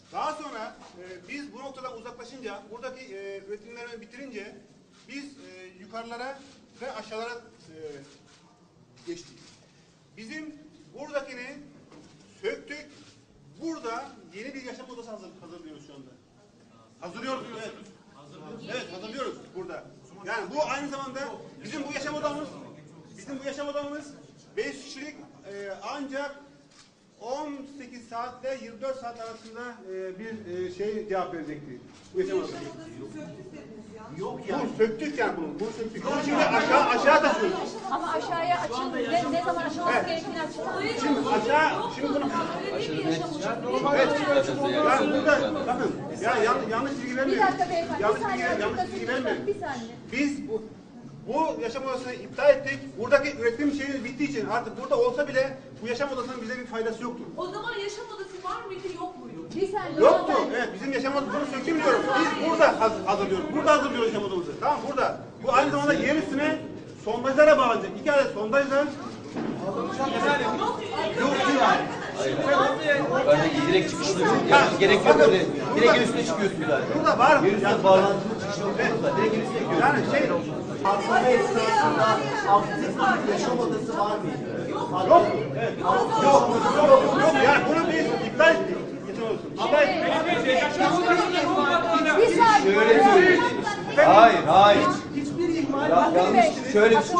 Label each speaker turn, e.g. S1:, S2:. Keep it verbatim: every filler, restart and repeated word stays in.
S1: Daha sonra e, biz bu noktadan uzaklaşınca, buradaki e, üretimlerimi bitirince biz e, yukarılara ve aşağılara e, geçtik. Bizim buradakini söktük. Burada yeni bir yaşam odası hazır, hazırlıyoruz şu anda. Hazırlıyoruz. Evet. Evet, hazırlıyoruz burada. Yani bu aynı zamanda bizim bu yaşam odamız, bizim bu yaşam odamız beş kişilik e, ancak on sekiz saatle yirmi dört saat arasında e, bir e, şey cevap verecekti. Bu yaşam odası. Yok yani. Bunu söktük yani bunu. Bunu söktük. Bunu şimdi aşağı aşağı taşıyoruz.
S2: Ama aşağıya açın. Ne, ne zaman aşılması evet. gerektiğini açıklar.
S1: Şimdi aşağı, şimdi bunu... Evet. Ben burada, bakın, ya yanlış, yanlış bilgi vermeyin.
S2: Bir dakika beyefendi.
S1: Yanlış
S2: bir
S1: bilgi,
S2: saniye.
S1: yanlış bilgi vermeyin.
S2: Bir saniye.
S1: Biz bu, bu yaşam odasını iptal ettik. Buradaki üretim şeyimiz bittiği için artık burada olsa bile bu yaşam odasının bize bir faydası yoktur.
S3: O zaman yaşam odası var mıydı, yok muydu?
S2: Bir saniye.
S1: Yoktu. Evet, bizim yaşam odasını söktüm diyoruz. Biz burada haz hazırlıyoruz. Burada hazırlıyoruz yaşam odamızı. Tamam, burada. Bu aynı zamanda yer üstüne sondajlara bağlanacak. İki adet sondajla
S4: Yukarıdaki direkt çıkışlı yani gerek yok öyle. Direkt en üstüne çıkıyorsun zaten.
S1: burada var.
S4: Yer üstüne bağlantılı çıkışlı burada. Direkt en üstüne gidiyorsun.
S1: Yani şey
S5: Aslında esnasında aktif bir yaşam odası var mıydı?
S1: yok. Evet. Yok. Yok. Yok. Yok. Yani bunu biz iptal ettik. Yaşam odasını. İptal ettik.
S2: Bir saniye.
S4: Şöyle söyleyeyim. Hayır, hayır.
S5: Hiçbir ihmal
S4: Ya, yanlış. Şöyle bir şey.